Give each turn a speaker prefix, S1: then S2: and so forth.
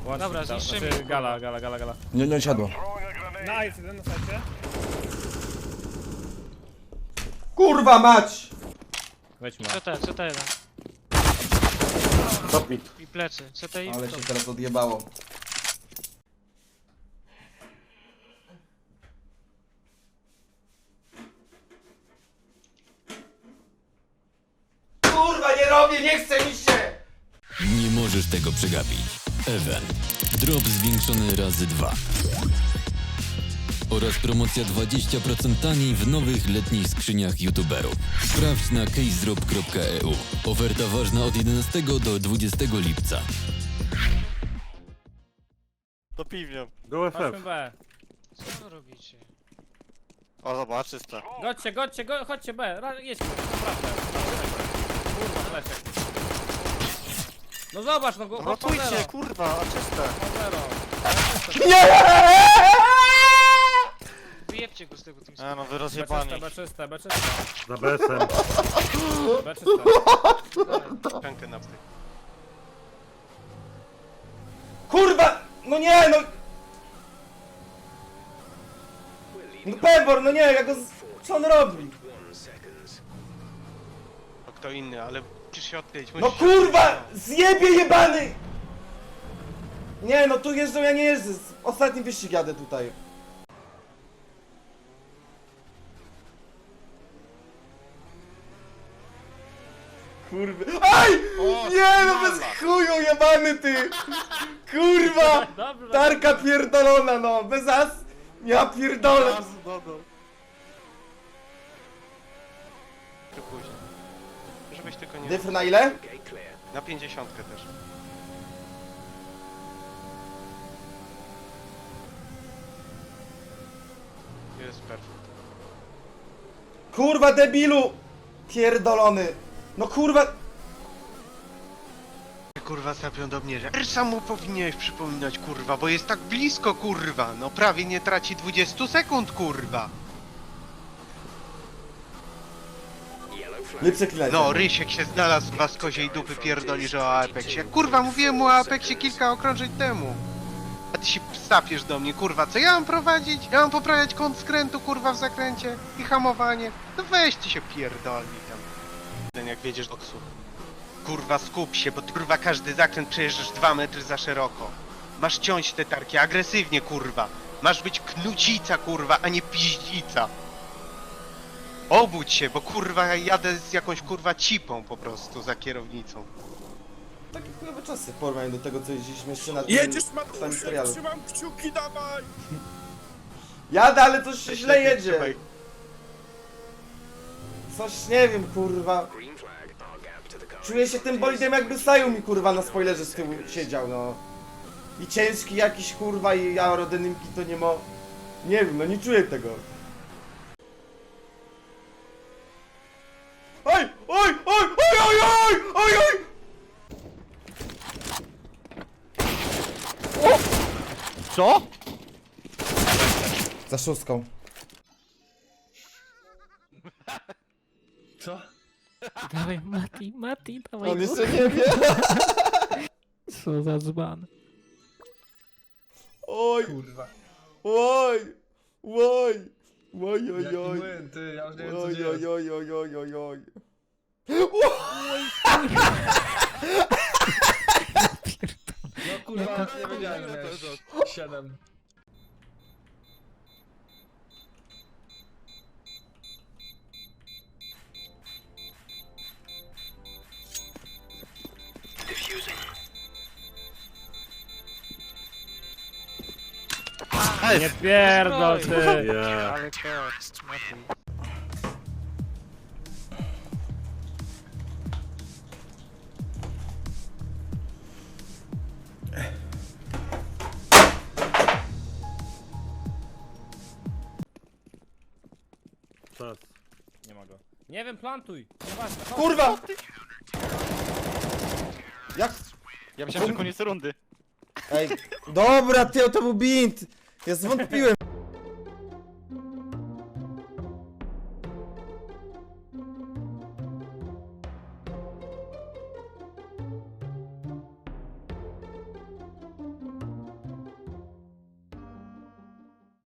S1: Łącznik,
S2: Dobra, zniszczymy
S1: znaczy
S2: ich,
S1: gala.
S3: Nie siadło.
S1: Nice, jeden na sajcie.
S3: Kurwa mać!
S1: Weźmy.
S2: CT1.
S3: Top mid.
S2: I plecy. CT i
S3: Ale się teraz odjebało. Kurwa, nie robię, nie chce mi się!
S4: Nie możesz tego przegapić. Event. Drop zwiększony razy 2. Oraz promocja 20% taniej w nowych letnich skrzyniach youtuberów. Sprawdź na casedrop.eu. Oferta ważna od 11 do 20 lipca.
S5: To piwnią.
S6: Go
S1: Chodźmy
S6: FF.
S1: B.
S2: Co wy robicie?
S5: O, zobacz, czyste.
S1: Chodźcie B. Jedź, naprawdę. Kurwa, fleszek. No zobacz, no go.
S5: Rotujcie, kurwa, a czyste.
S2: Wyjebcie go z tego team.
S5: A no, wy rozjebani.
S1: Beczyste.
S6: Za BS-em.
S5: Pękę na wstyd.
S3: Kurwa! No nie, no! No Pebor, no nie, ja go... Co on robi?
S5: To kto inny, ale musisz się odkryć.
S3: No kurwa! Zjebie jebany! Nie, no tu jeżdżą, ja nie jeżdżę. Ostatni wyścig jadę tutaj. Kurwa. Aj! Nie, no bez chuju jebany ty! Kurwa!
S1: Dobrze,
S3: Tarka pierdolona, no! Bez as! Ja pierdolę!
S5: Później. Żebyś tylko nie...
S3: Dyfr na ile?
S5: Na 50 też. Jest perfekt.
S3: Kurwa debilu! Pierdolony! No kurwa!
S5: Kurwa sapią do mnie, że Ersza mu powinieneś przypominać, kurwa, bo jest tak blisko, kurwa. No prawie nie traci 20 sekund, kurwa.
S3: Nie przeklinaj.
S5: No, Rysiek się znalazł w was koziej dupy pierdoli, że o Apexie. Kurwa, mówiłem mu o Apexie kilka okrążeń temu. A ty się sapiesz do mnie, kurwa, co ja mam prowadzić? Ja mam poprawiać kąt skrętu, kurwa, w zakręcie i hamowanie. No weź ty się pierdoli tam. Ten jak wiedziesz do ksu. Kurwa, skup się, bo ty, kurwa, każdy zakręt przejeżdżasz 2 metry za szeroko. Masz ciąć te tarki agresywnie, kurwa. Masz być knucica, kurwa, a nie piździca. Obudź się, bo kurwa ja jadę z jakąś kurwa cipą po prostu za kierownicą.
S3: Takie chujowe czasy w porównaniu do tego, co jeździliśmy jeszcze na tym
S6: Jedziesz,
S3: samym
S6: Mateusz,
S3: serialu.
S6: trzymam kciuki, dawaj!
S3: Jadę, ale coś się źle jedzie.
S5: Trzymaj.
S3: Coś nie wiem, kurwa. Czuję się tym bolidem, jakby Saju mi kurwa na spoilerze z tyłu siedział, no. I ciężki jakiś kurwa i aerodynamiki to nie ma. Nie wiem, no nie czuję tego. Oj! Oj! Oj! Oj! Oj! Oj! Oj! Oj!
S6: Co?
S3: Za szóstką.
S6: Co?
S2: Dawaj Mati, dawaj
S3: On jeszcze nie wie.
S2: Co za dzban.
S3: Oj!
S6: Kurwa.
S3: Oj! Oj! Oj! Oj!
S6: Jaki
S3: Oj!
S6: błęd, ty, ja już nie wiem co
S3: Oj!
S6: dzieje.
S3: Oj! Oj! Oj! Oj! Oj!
S6: No kurwa, nie wiedziałem, że miałeś 7.
S1: Nie pierdol ty.
S6: Ja.
S2: Ale to, Mati.
S6: Czas.
S1: Nie ma go. Nie wiem, plantuj. Nieważne, chodź.
S3: Kurwa! Jak?
S7: Ja myślałem, że koniec rundy.
S3: Ej, dobra, ty, to był bint! Ja zwątpiłem.